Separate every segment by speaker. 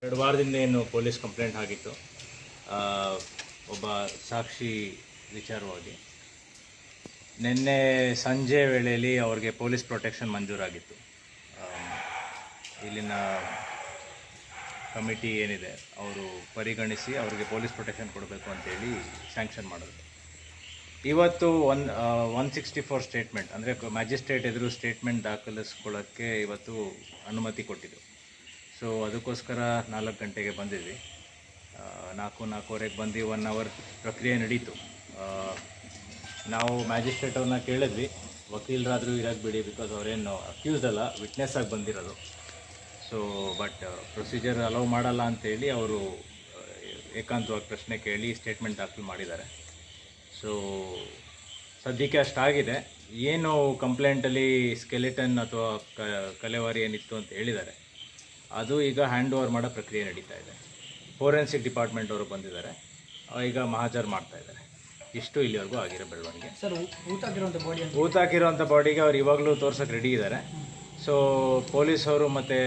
Speaker 1: 2 ವಾರದಿಂದ ಏನು police complaint ಆಗಿತ್ತು ಒಬ್ಬ ಸಾಕ್ಷಿ ವಿಚಾರವಾಗಿ. ನಿನ್ನೆ ಸಂಜೆ ವೇಳೆಯಲ್ಲಿ ಅವ್ರಿಗೆ ಪೊಲೀಸ್ ಪ್ರೊಟೆಕ್ಷನ್ ಮಂಜೂರಾಗಿತ್ತು. ಇಲ್ಲಿನ ಕಮಿಟಿ ಏನಿದೆ ಅವರು ಪರಿಗಣಿಸಿ ಅವ್ರಿಗೆ ಪೊಲೀಸ್ ಪ್ರೊಟೆಕ್ಷನ್ ಕೊಡಬೇಕು ಅಂತೇಳಿ ಸ್ಯಾಂಕ್ಷನ್ ಮಾಡಿದ್ರು. ಇವತ್ತು 164 ಸ್ಟೇಟ್ಮೆಂಟ್ ಅಂದರೆ ಮ್ಯಾಜಿಸ್ಟ್ರೇಟ್ ಎದುರು ಸ್ಟೇಟ್ಮೆಂಟ್ ದಾಖಲಿಸ್ಕೊಳ್ಳೋಕ್ಕೆ ಇವತ್ತು ಅನುಮತಿ ಕೊಟ್ಟಿದ್ದು. ಸೊ ಅದಕ್ಕೋಸ್ಕರ 4 ಗಂಟೆಗೆ ಬಂದಿದ್ವಿ. 4:45ಗೆ ಬಂದು 1 ಅವರ್ ಪ್ರಕ್ರಿಯೆ ನಡೀತು. ನಾವು ಮ್ಯಾಜಿಸ್ಟ್ರೇಟ್ ಅವ್ರನ್ನ ಕೇಳಿದ್ವಿ, ವಕೀಲರಾದರೂ ಇರೋಕ್ಕೆ ಬಿಡಿ, ಬಿಕಾಸ್ ಅವರೇನು ಅಕ್ಯೂಸ್ಡ್ ಅಲ್ಲ, ವಿಟ್ನೆಸ್ ಆಗಿ ಬಂದಿರೋದು. ಸೊ ಬಟ್ ಪ್ರೊಸೀಜರ್ ಅಲೌ ಮಾಡಲ್ಲ ಅಂತೇಳಿ ಅವರು ಏಕಾಂತವಾಗಿ ಪ್ರಶ್ನೆ ಕೇಳಿ ಸ್ಟೇಟ್ಮೆಂಟ್ ದಾಖಲು ಮಾಡಿದ್ದಾರೆ. ಸೊ ಸದ್ಯಕ್ಕೆ ಅಷ್ಟಾಗಿದೆ. ಏನು ಕಂಪ್ಲೇಂಟಲ್ಲಿ ಸ್ಕೆಲಿಟನ್ ಅಥವಾ ಕಲೆವಾರಿ ಏನಿತ್ತು ಅಂತ ಹೇಳಿದ್ದಾರೆ, ಅದು ಈಗ ಹ್ಯಾಂಡ್ ಓವರ್ ಮಾಡೋ ಪ್ರಕ್ರಿಯೆ ನಡೀತಾ ಇದೆ. ಫೋರೆನ್ಸಿಕ್ ಡಿಪಾರ್ಟ್ಮೆಂಟ್ ಅವರು ಬಂದಿದ್ದಾರೆ, ಈಗ ಮಹಾಜರ್ ಮಾಡ್ತಾ ಇದ್ದಾರೆ. ಇಷ್ಟು ಇಲ್ಲಿವರೆಗೂ ಆಗಿರೋ ಬೆಳವಣಿಗೆ.
Speaker 2: ಸರ್,
Speaker 1: ಊತಾಕಿರೋಂಥ ಬಾಡಿಗೆ ಅವ್ರು ಇವಾಗಲೂ ತೋರ್ಸೋಕ್ಕೆ ರೆಡಿ ಇದ್ದಾರೆ. ಸೊ ಪೊಲೀಸವರು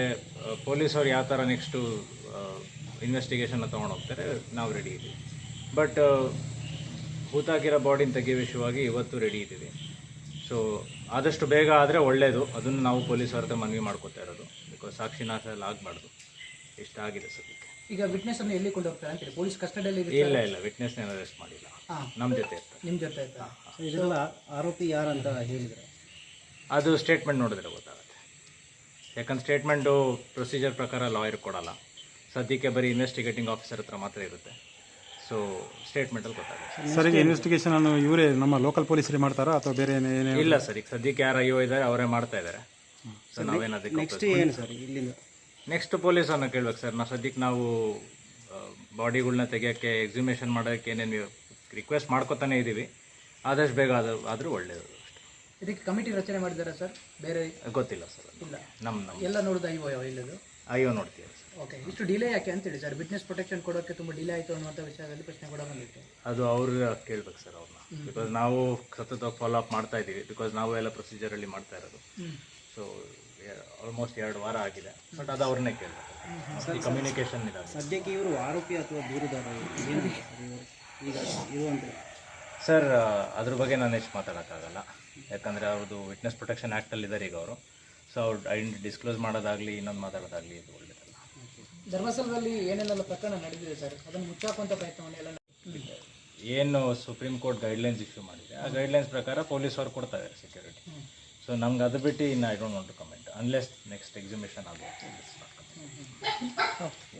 Speaker 1: ಯಾವ ಥರ ನೆಕ್ಸ್ಟು ಇನ್ವೆಸ್ಟಿಗೇಷನ್ನ ತೊಗೊಂಡು ಹೋಗ್ತಾರೆ, ನಾವು ರೆಡಿ ಇದ್ದೀವಿ. ಬಟ್ ಹೂತಾಕಿರೋ ಬಾಡಿನ ತೆಗೆಯೋ ವಿಷಯವಾಗಿ ಇವತ್ತು ರೆಡಿ ಇದ್ದೀವಿ. ಸೊ ಆದಷ್ಟು ಬೇಗ ಆದರೆ ಒಳ್ಳೆಯದು. ಅದನ್ನು ನಾವು ಪೊಲೀಸವ್ರ ಹತ್ರ ಮನವಿ ಮಾಡ್ಕೋತಾ ಇರೋದು, ಬಿಕಾಸ್ ಸಾಕ್ಷಿನಾಶ ಎಲ್ಲ ಆಗಬಾರ್ದು. ಇಷ್ಟ ಆಗಿದೆ ಸದ್ಯಕ್ಕೆ.
Speaker 2: ಈಗ ವಿಟ್ನೆಸ್ಸನ್ನು ಎಲ್ಲಿ ಕೊಂಡು ಹೋಗ್ತಾರೆ ಅಂತೇಳಿ ಪೊಲೀಸ್ ಕಸ್ಟಡಿಯಲ್ಲಿ?
Speaker 1: ಇಲ್ಲ, ವಿಟ್ನೆಸ್ನ ಅರೆಸ್ಟ್ ಮಾಡಿಲ್ಲ, ನಮ್ಮ ಜೊತೆ ಇರ್ತಾರೆ.
Speaker 2: ನಿಮ್ಮ ಜೊತೆ ಇರ್ತಾರೆ.
Speaker 3: ಇದೆಲ್ಲ ಆರೋಪಿ ಯಾರು ಅಂತ ಹೇಳಿದರೆ
Speaker 1: ಅದು ಸ್ಟೇಟ್ಮೆಂಟ್ ನೋಡಿದ್ರೆ ಗೊತ್ತಾಗುತ್ತೆ. ಯಾಕಂದ್ರೆ ಸ್ಟೇಟ್ಮೆಂಟು ಪ್ರೊಸೀಜರ್ ಪ್ರಕಾರ ಲಾಯರ್ ಕೊಡಲ್ಲ, ಸದ್ಯಕ್ಕೆ ಬರೀ ಇನ್ವೆಸ್ಟಿಗೇಟಿಂಗ್ ಆಫೀಸರ್ ಹತ್ರ ಮಾತ್ರ ಇರುತ್ತೆ. ಸೊ ಸ್ಟೇಟ್ಮೆಂಟಲ್ಲಿ ಗೊತ್ತಾಗುತ್ತೆ.
Speaker 4: ಸರ್, ಈಗ ಇನ್ವೆಸ್ಟಿಗೇಷನ್ ಇವರೇ ನಮ್ಮ ಲೋಕಲ್ ಪೊಲೀಸರೇ ಮಾಡ್ತಾರಾ ಅಥವಾ ಬೇರೆ ಏನೇ?
Speaker 1: ಇಲ್ಲ ಸರ್, ಈಗ ಸದ್ಯಕ್ಕೆ ಯಾರು ಅಯ್ಯೋ ಇದ್ದಾರೆ ಅವರೇ ಮಾಡ್ತಾ ಇದ್ದಾರೆ. ಸೊ ನಾವೇನು ಅದಕ್ಕೆ
Speaker 3: ನೆಕ್ಸ್ಟ್ ಏನು ಸರ್ ಇಲ್ಲಿಂದ?
Speaker 1: ನೆಕ್ಸ್ಟ್ ಪೊಲೀಸನ್ನು ಕೇಳ್ಬೇಕು ಸರ್. ಸದ್ಯಕ್ಕೆ ನಾವು ಬಾಡಿಗಳನ್ನ ತೆಗಿಯೋಕ್ಕೆ, ಎಕ್ಸಿಮೇಷನ್ ಮಾಡೋಕ್ಕೆ ಏನೇನು ರಿಕ್ವೆಸ್ಟ್ ಮಾಡ್ಕೊತಾನೆ ಇದ್ದೀವಿ. ಆದಷ್ಟು ಬೇಗ ಆದರೂ ಒಳ್ಳೆಯದು.
Speaker 2: ಇದಕ್ಕೆ ಕಮಿಟಿ ರಚನೆ ಮಾಡಿದ್ದಾರೆ ಸರ್? ಬೇರೆ
Speaker 1: ಗೊತ್ತಿಲ್ಲ ಸರ್.
Speaker 2: ಇಲ್ಲ,
Speaker 1: ನಮ್ಮ
Speaker 2: ಎಲ್ಲ ನೋಡೋದು ಇಲ್ಲದು
Speaker 1: ಅಯ್ಯೋ ನೋಡ್ತೀವಿ ಸರ್.
Speaker 2: ಓಕೆ, ಇಷ್ಟು ಡಿಲೇ ಯಾಕೆ ಅಂತೇಳಿ ಸರ್? ವಿಟ್ನೆಸ್ ಪ್ರೊಟೆಕ್ಷನ್ ಕೊಡೋಕ್ಕೆ ತುಂಬ ಡಿಲೇ ಆಯಿತು ಅನ್ನುವಂಥ ವಿಷಯದಲ್ಲಿ ಪ್ರಶ್ನೆ ಕೂಡ ಬಂದಿತ್ತು.
Speaker 1: ಅದು ಅವ್ರು ಕೇಳ್ಬೇಕು ಸರ್ ಅವ್ರನ್ನ, ಬಿಕಾಸ್ ನಾವು ಸತತವಾಗಿ ಫಾಲೋ ಅಪ್ ಮಾಡ್ತಾ ಇದ್ದೀವಿ. ಬಿಕಾಸ್ ನಾವು ಎಲ್ಲ ಪ್ರೊಸೀಜರಲ್ಲಿ ಮಾಡ್ತಾ ಇರೋದು. ಸೊ ಆಲ್ಮೋಸ್ಟ್ 2 ವಾರ ಆಗಿದೆ. ಬಟ್ ಅದು ಅವ್ರನ್ನೇ ಕೇಳಬೇಕು. ಕಮ್ಯುನಿಕೇಷನ್ ಇದೆ.
Speaker 3: ಸದ್ಯಕ್ಕೆ ಇವರು ಆರೋಪಿ ಅಥವಾ ದೂರುದಾರ ಏನು ಈಗ ಇರುವಂಥ?
Speaker 1: ಸರ್, ಅದ್ರ ಬಗ್ಗೆ ನಾನು ಎಷ್ಟು ಮಾತಾಡೋಕ್ಕಾಗಲ್ಲ. ಯಾಕಂದರೆ ಅವ್ರದ್ದು ವಿಟ್ನೆಸ್ ಪ್ರೊಟೆಕ್ಷನ್ ಆ್ಯಕ್ಟಲ್ಲಿದ್ದಾರೆ ಈಗ ಅವರು. ಸೊ ಅವ್ರು ಐಡೆಂಟಿ ಡಿಸ್ಕ್ಲೋಸ್ ಮಾಡೋದಾಗಲಿ ಇನ್ನೊಂದು ಮಾತಾಡೋದಾಗಲಿ ಇದು ಒಳ್ಳೆಯದಲ್ಲ.
Speaker 2: ಧರ್ಮಸ್ಥಳದಲ್ಲಿ ಏನೆಲ್ಲ ಪ್ರಕರಣ ನಡೆದಿದೆ ಸರ್, ಅದನ್ನು ಮುಚ್ಚಾಕುವಂಥ ಪ್ರಯತ್ನವನ್ನೆಲ್ಲ
Speaker 1: ಏನು ಸುಪ್ರೀಂ ಕೋರ್ಟ್ ಗೈಡ್ಲೈನ್ಸ್ ಇಶ್ಯೂ ಮಾಡಿದೆ, ಆ ಗೈಡ್ಲೈನ್ಸ್ ಪ್ರಕಾರ ಪೊಲೀಸವ್ರು ಕೊಡ್ತಾ ಇದ್ದಾರೆ ಸೆಕ್ಯೂರಿಟಿ. ಸೊ ನಮ್ಗೆ ಅದು ಬಿಟ್ಟು ಇನ್ನು I don't want to comment unless next exhibition ಆಗುತ್ತೆ.